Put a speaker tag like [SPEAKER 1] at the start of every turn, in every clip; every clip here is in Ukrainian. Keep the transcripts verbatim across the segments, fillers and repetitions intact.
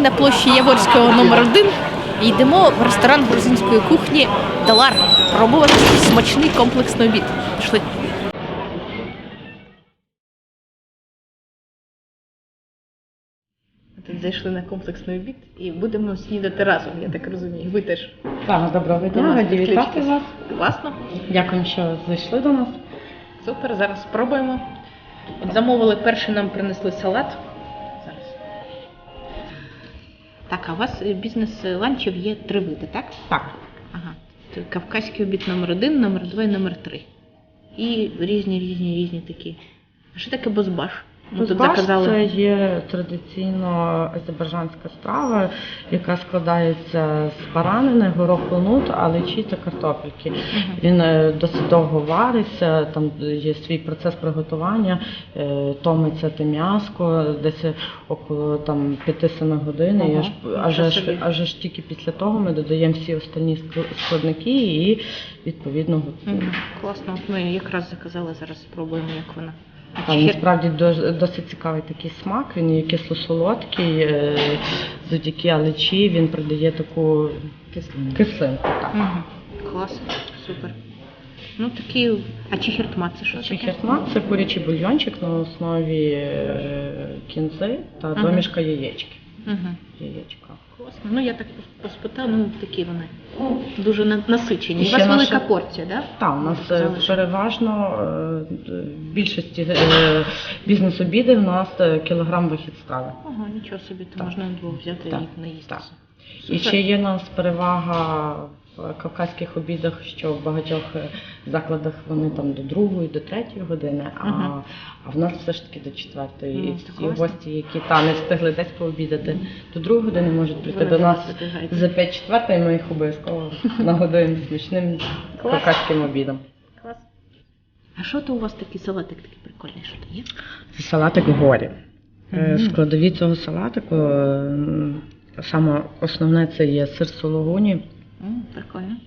[SPEAKER 1] на площі Яворського номер один і йдемо в ресторан грузинської кухні «Далар» пробувати смачний комплексний обід. Пішли. Тут зайшли на комплексний обід і будемо снідати разом, я так розумію. Ви теж.
[SPEAKER 2] Так, доброго дня, раді вітати вас.
[SPEAKER 1] Класно.
[SPEAKER 2] Дякую, що зайшли до нас.
[SPEAKER 1] Супер, зараз спробуємо. От замовили, перший нам принесли салат. Зараз. Так, а у вас бізнес ланчів є три види, так?
[SPEAKER 2] Так.
[SPEAKER 1] Ага. Це кавказький обід номер один, номер два і номер три. І різні, різні, різні такі. А що таке бозбаш? Ми тут
[SPEAKER 2] Бозбаш
[SPEAKER 1] заказали.
[SPEAKER 2] це є традиційно азербайджанська страва, яка складається з баранини, гороху нут, алечі та картопельки.
[SPEAKER 1] Угу.
[SPEAKER 2] Він е, досить довго вариться, там є свій процес приготування, е, томиться те м'яско, десь около там п'ять-сім годин.
[SPEAKER 1] Ага.
[SPEAKER 2] І аж, аж, аж, аж, аж тільки після того ми додаємо всі останні складники і відповідно готуємо.
[SPEAKER 1] Угу. Класно, от ми якраз заказали, зараз спробуємо, як вона.
[SPEAKER 2] Так, насправді досить цікавий такий смак, він є кисло-солодкий, завдяки алечі він придає таку кислинку. кислинку так.
[SPEAKER 1] Угу. Клас, супер. Ну такі, а чихертма це що таке?
[SPEAKER 2] Чихертма – це курячий бульйончик на основі кінзи та
[SPEAKER 1] Ага.
[SPEAKER 2] домішка яєчки.
[SPEAKER 1] Угу.
[SPEAKER 2] Яєчка.
[SPEAKER 1] Класно. Ну я так поспитала, ну такі вони дуже на- насичені.
[SPEAKER 2] І
[SPEAKER 1] У вас
[SPEAKER 2] ще
[SPEAKER 1] велика
[SPEAKER 2] наша-
[SPEAKER 1] порція, так? Да?
[SPEAKER 2] Так, у нас е,
[SPEAKER 1] Залишили.
[SPEAKER 2] переважно е, в більшості е, бізнес-обідів у нас е, кілограм вихід страви.
[SPEAKER 1] Ага, нічого собі, то
[SPEAKER 2] Так.
[SPEAKER 1] можна двох взяти
[SPEAKER 2] Так,
[SPEAKER 1] і наїстися.
[SPEAKER 2] так. І ще є у нас перевага в кавказьких обідах, що в багатьох закладах вони там до другої, до третьої години, а,
[SPEAKER 1] Ага.
[SPEAKER 2] а в нас все ж таки до четвертої.
[SPEAKER 1] Ну,
[SPEAKER 2] І
[SPEAKER 1] це
[SPEAKER 2] всі
[SPEAKER 1] класно.
[SPEAKER 2] гості, які там не встигли десь пообідати, до другої години можуть прийти
[SPEAKER 1] Ви
[SPEAKER 2] до нас
[SPEAKER 1] забігаєте.
[SPEAKER 2] за п'ять четвертої, ми їх обов'язково нагодуємо смачним
[SPEAKER 1] Клас.
[SPEAKER 2] кавказьким обідом.
[SPEAKER 1] Клас. А що то у вас такий салатик такий прикольний, що то є?
[SPEAKER 2] Це салатик горі. Е,
[SPEAKER 1] Мгм.
[SPEAKER 2] Складові цього салатику, е, саме основне це є сир сулугуні,
[SPEAKER 1] М, прикольно.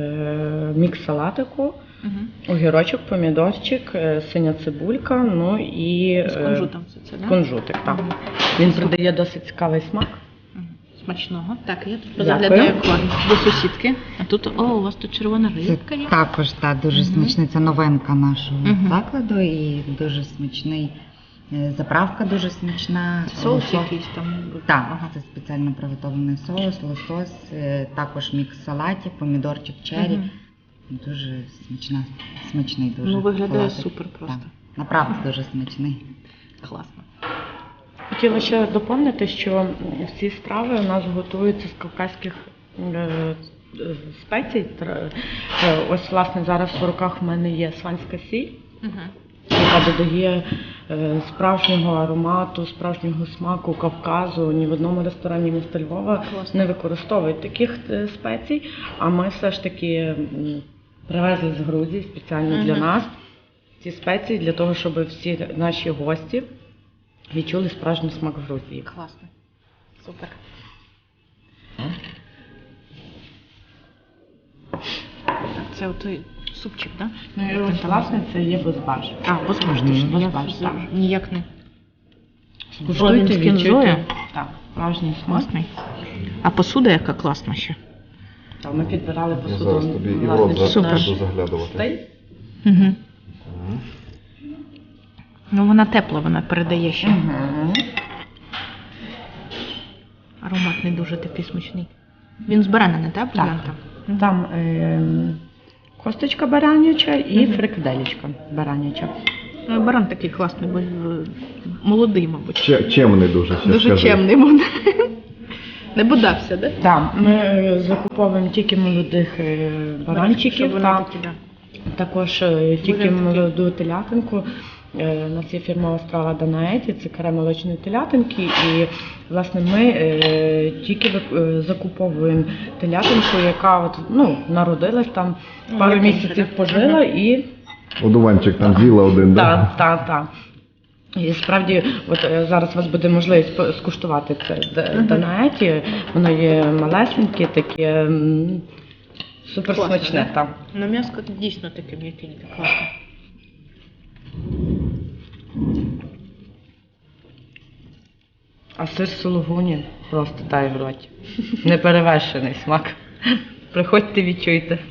[SPEAKER 2] е, мікс салатику,
[SPEAKER 1] Угу.
[SPEAKER 2] огірочок, помідорчик, е, синя цибулька, ну і
[SPEAKER 1] З
[SPEAKER 2] е,
[SPEAKER 1] кунжутом все це, так?
[SPEAKER 2] кунжутик. Так. Він придає досить цікавий смак.
[SPEAKER 1] Мгм. Смачного. Так, я тут
[SPEAKER 2] Дякую.
[SPEAKER 1] позаглядаю к вам до сусідки. А тут, о, у вас тут червона
[SPEAKER 3] Це
[SPEAKER 1] рибка є.
[SPEAKER 3] також та, дуже
[SPEAKER 1] Мгм.
[SPEAKER 3] смачний, це новинка нашого
[SPEAKER 1] Мгм.
[SPEAKER 3] закладу і дуже смачний. е, Заправка дуже смачна.
[SPEAKER 1] Соус
[SPEAKER 3] Лосось-
[SPEAKER 1] якийсь там.
[SPEAKER 3] Так,
[SPEAKER 1] Ага.
[SPEAKER 3] це спеціально приготовлений соус, лосось, е, також мікс салатів, помідорчик черрі.
[SPEAKER 1] Мгм.
[SPEAKER 3] Дуже смачна, смачний дуже.
[SPEAKER 1] Ну, виглядає
[SPEAKER 3] салатик.
[SPEAKER 1] супер просто.
[SPEAKER 3] Так, направду дуже смачний.
[SPEAKER 1] Класно.
[SPEAKER 2] Хотіла ще доповнити, що всі страви у нас готуються з кавказьких е, е, спецій. Тр- е, Ось, власне, зараз в руках в мене є сванська сіль,
[SPEAKER 1] Угу.
[SPEAKER 2] яка додає е, справжнього аромату, справжнього смаку Кавказу. Ні в одному ресторані міста Львова
[SPEAKER 1] Класно.
[SPEAKER 2] не використовують таких е, спецій, а ми все ж таки м, привезли з Грузії спеціально для
[SPEAKER 1] Мгм.
[SPEAKER 2] нас ці спеції, для того, щоб всі наші гості відчули справжній смак Грузії.
[SPEAKER 1] Класно. Супер. Так, це отой супчик, так? Да?
[SPEAKER 2] Ну і ось, власне, це є бозбаш.
[SPEAKER 1] А, бозбаш,
[SPEAKER 3] Мгм.
[SPEAKER 1] точно. Я
[SPEAKER 2] Бозбаш, так.
[SPEAKER 1] ніяк не.
[SPEAKER 2] Скуштуйте,
[SPEAKER 1] з кінзою.
[SPEAKER 2] відчуйте. Так, справжній смак.
[SPEAKER 1] Класний. А посуда яка класна ще.
[SPEAKER 2] Так, ми підбирали
[SPEAKER 4] Ну,
[SPEAKER 2] посуду.
[SPEAKER 4] зараз тобі і в
[SPEAKER 2] власне,
[SPEAKER 4] рот за-
[SPEAKER 1] Супер.
[SPEAKER 4] буду заглядувати.
[SPEAKER 2] Стей.
[SPEAKER 1] Угу.
[SPEAKER 4] Мгм.
[SPEAKER 1] Ну вона тепла, вона передає ще.
[SPEAKER 2] Мгм.
[SPEAKER 1] Аромат не дуже такий смачний. Він з баранини, так?
[SPEAKER 2] Так.
[SPEAKER 1] бульйон там?
[SPEAKER 2] Там е, косточка бараняча і
[SPEAKER 1] Мгм.
[SPEAKER 2] фрикаделечка бараняча.
[SPEAKER 1] Ну, баран такий класний, бо е, молодий, мабуть.
[SPEAKER 4] Че- Чемний дуже, ще
[SPEAKER 1] Дуже
[SPEAKER 4] скажи.
[SPEAKER 1] чемний буде. Не бодався, так?
[SPEAKER 2] Так, ми е, закуповуємо тільки молодих е, баранчиків,
[SPEAKER 1] вони
[SPEAKER 2] та
[SPEAKER 1] такі, да.
[SPEAKER 2] також е, тільки
[SPEAKER 1] Вигляд такий.
[SPEAKER 2] молоду телятинку. Е, У нас є фірмова страва Данаеті, це каре молочної телятинки, і власне ми е, тільки вик- е, закуповуємо телятинку, яка от, ну, народилась там,
[SPEAKER 1] Ну,
[SPEAKER 2] пару
[SPEAKER 1] як
[SPEAKER 2] місяців
[SPEAKER 1] інше, да?
[SPEAKER 2] пожила і
[SPEAKER 4] Одуванчик там з'їла один,
[SPEAKER 2] так,
[SPEAKER 4] да?
[SPEAKER 2] так, так. І справді, от е, зараз у вас буде можливість по- скуштувати це д-
[SPEAKER 1] Мгм.
[SPEAKER 2] Данаеті, воно є малесеньке, таке м, супер
[SPEAKER 1] Класно,
[SPEAKER 2] смачне.
[SPEAKER 1] да?
[SPEAKER 2] Там.
[SPEAKER 1] Ну м'яско дійсно таке м'якеньке, класно.
[SPEAKER 2] А сир сулугуні просто тає в роті. Неперевершений смак. Приходьте, відчуйте.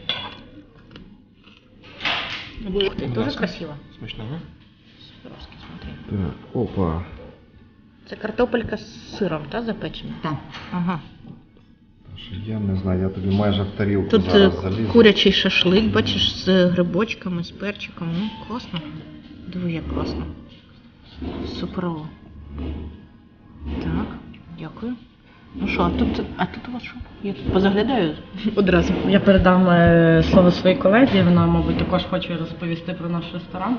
[SPEAKER 1] Ух ты, тоже красиво.
[SPEAKER 4] Смачно, да?
[SPEAKER 1] Суперовски, смотри.
[SPEAKER 4] Так, опа.
[SPEAKER 1] Це картопелька з сиром, та, запечена?
[SPEAKER 3] Так.
[SPEAKER 1] Ага.
[SPEAKER 4] Що Я не знаю, я тобі майже в тарілку
[SPEAKER 1] Тут е,
[SPEAKER 4] зараз залізу.
[SPEAKER 1] курячий шашлик, бачиш, з грибочками, з перчиком. Ну, класно. Диви, як класно. Суперово. Так, дякую. Ну що, а тут, а тут у вас що? Я тут позаглядаю одразу.
[SPEAKER 2] Я передам е, слово своїй колезі, вона, мабуть, також хоче розповісти про наш ресторан.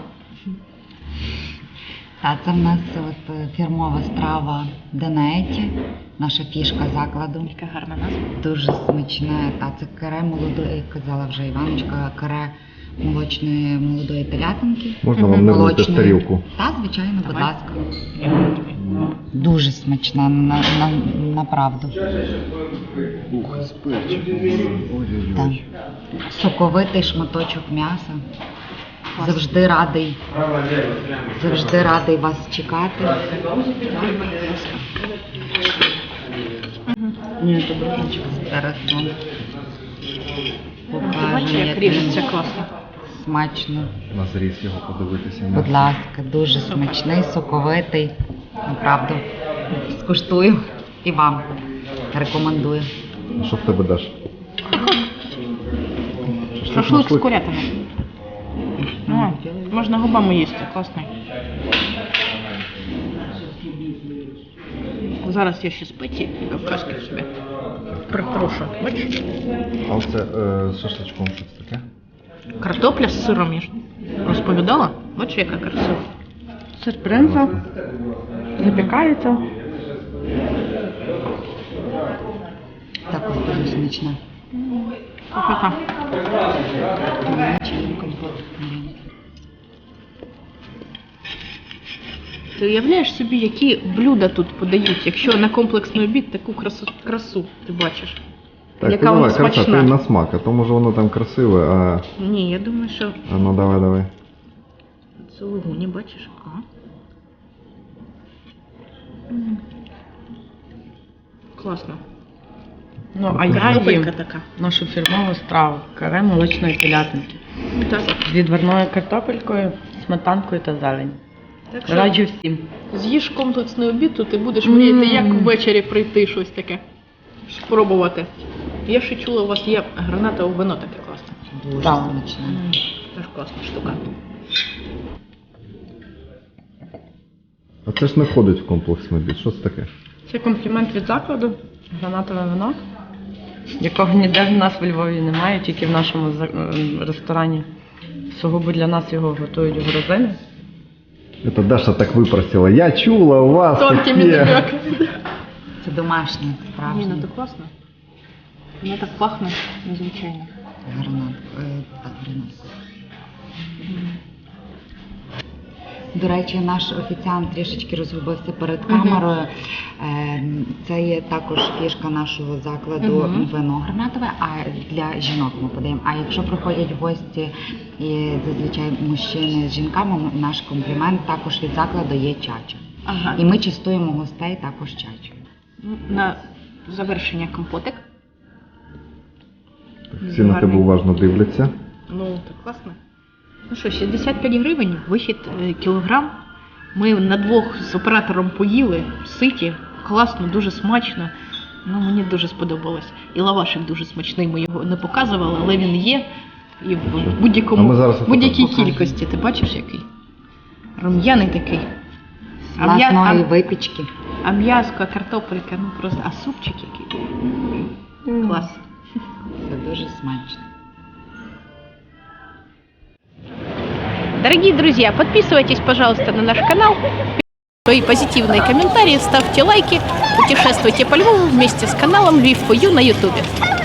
[SPEAKER 3] Та це в нас от е, фірмова страва Данаеті, наша фішка закладу.
[SPEAKER 1] Яка гарна назва.
[SPEAKER 3] Дуже смачне. Та це каре молодої, як казала вже Іваночка, каре молочної молодої телятинки.
[SPEAKER 4] Можна вам не влити в
[SPEAKER 3] Молочної.
[SPEAKER 4] тарілку?
[SPEAKER 3] Та, звичайно, будь
[SPEAKER 1] Давай.
[SPEAKER 3] ласка.
[SPEAKER 1] Дякую тобі.
[SPEAKER 3] Дуже смачна, на, на, направду.
[SPEAKER 4] Ух, з перчиком. Ой-ой-ой.
[SPEAKER 3] Так. Соковитий шматочок м'яса. Завжди радий. Завжди радий вас чекати.
[SPEAKER 2] Ні, то бражечка.
[SPEAKER 3] Зараз вам
[SPEAKER 1] Бачиш,
[SPEAKER 3] покажемо,
[SPEAKER 1] як
[SPEAKER 3] як
[SPEAKER 1] ріжеться
[SPEAKER 3] він
[SPEAKER 1] класно.
[SPEAKER 3] смачно.
[SPEAKER 4] На зріз його подивитися.
[SPEAKER 3] Будь ласка, дуже смачний, соковитий. Направду. Скуштую і вам рекомендую.
[SPEAKER 4] А що в тебе даш?
[SPEAKER 1] Шашлик з курятиною. Ну, можна губами їсти, класний. Зараз я ще спеці кавказькі собі притрушу. Бачиш?
[SPEAKER 4] А оце е, з шашличком щось таке?
[SPEAKER 1] Картопля з сиром, я ж розповідала. Бачиш, яка красива.
[SPEAKER 2] Сир принца запікається.
[SPEAKER 3] Також дуже смачне.
[SPEAKER 1] Красота. Ти уявляєш собі, які блюда тут подають, якщо на комплексний обід таку красу, красу ти бачиш?
[SPEAKER 4] Так,
[SPEAKER 1] Яка
[SPEAKER 4] ти
[SPEAKER 1] вона
[SPEAKER 4] давай, краса,
[SPEAKER 1] смачна.
[SPEAKER 4] ти на смак, а то може воно там красиве, а...
[SPEAKER 1] Ні, я думаю, що
[SPEAKER 4] А ну давай, давай.
[SPEAKER 1] це лугуні, бачиш? А? М. Класно.
[SPEAKER 2] Ну, а я їм
[SPEAKER 1] Картопелька така.
[SPEAKER 2] нашу фірмову страву каре молочної телятинки.
[SPEAKER 1] Ну, так.
[SPEAKER 2] З відварною картопелькою, сметанкою та зеленню.
[SPEAKER 1] Так що
[SPEAKER 2] Раджу всім.
[SPEAKER 1] з'їж комплексний обід, то ти будеш
[SPEAKER 2] Мм.
[SPEAKER 1] мріяти, як ввечері прийти щось таке. Спробувати. Я ще чула, у вас є гранатове вино таке класне.
[SPEAKER 3] Дуже
[SPEAKER 2] Так.
[SPEAKER 3] смачне.
[SPEAKER 1] М, Теж класна штука.
[SPEAKER 4] А це ж не входить в комплексний обід, що це таке?
[SPEAKER 2] Це комплімент від закладу, гранатове вино, якого ніде в нас в Львові немає, тільки в нашому за- ем, ресторані. Сугубо для нас його готують в грузини.
[SPEAKER 4] Это Даша так выпросила. Я чула, у вас
[SPEAKER 1] Тонкими
[SPEAKER 4] таке.
[SPEAKER 1] намеками.
[SPEAKER 3] Це домашнє,
[SPEAKER 1] Ні,
[SPEAKER 3] справжнє.
[SPEAKER 1] ну так класно. Воно так пахне незвичайно.
[SPEAKER 3] Гранат. Е, так, гранат. До речі, наш офіціант трішечки розгубився перед камерою. Е, Це є також фішка нашого закладу
[SPEAKER 1] Мгм.
[SPEAKER 3] вино гранатове, а для жінок ми подаємо. А якщо приходять гості і зазвичай мужчини з жінками, наш комплімент також від закладу є чача.
[SPEAKER 1] Ага.
[SPEAKER 3] І ми частуємо гостей також чачою.
[SPEAKER 1] Ну, на завершення компотик.
[SPEAKER 4] Всі на тебе уважно дивляться.
[SPEAKER 1] Ну, так класно. Ну що, шістдесят п'ять гривень, вихід е, кілограм. Ми на двох з оператором поїли, ситі, класно, дуже смачно. Ну, мені дуже сподобалось. І лавашик дуже смачний, ми його не показували, але він є. І в
[SPEAKER 4] Що? А
[SPEAKER 1] будь-якому,
[SPEAKER 4] ми зараз
[SPEAKER 1] будь-якій
[SPEAKER 3] покажемо.
[SPEAKER 1] кількості. Ти бачиш який? Рум'яний такий.
[SPEAKER 3] З
[SPEAKER 1] А м'я-
[SPEAKER 3] власної
[SPEAKER 1] а-
[SPEAKER 3] випічки.
[SPEAKER 1] А м'яско, картопелька, ну просто, а супчик який. Клас.
[SPEAKER 3] Це дуже смачно.
[SPEAKER 1] Дорогие друзья, подписывайтесь, пожалуйста, на наш канал, свои позитивные комментарии, ставьте лайки, путешествуйте по Львову вместе с каналом Львив фор ю на ютубе.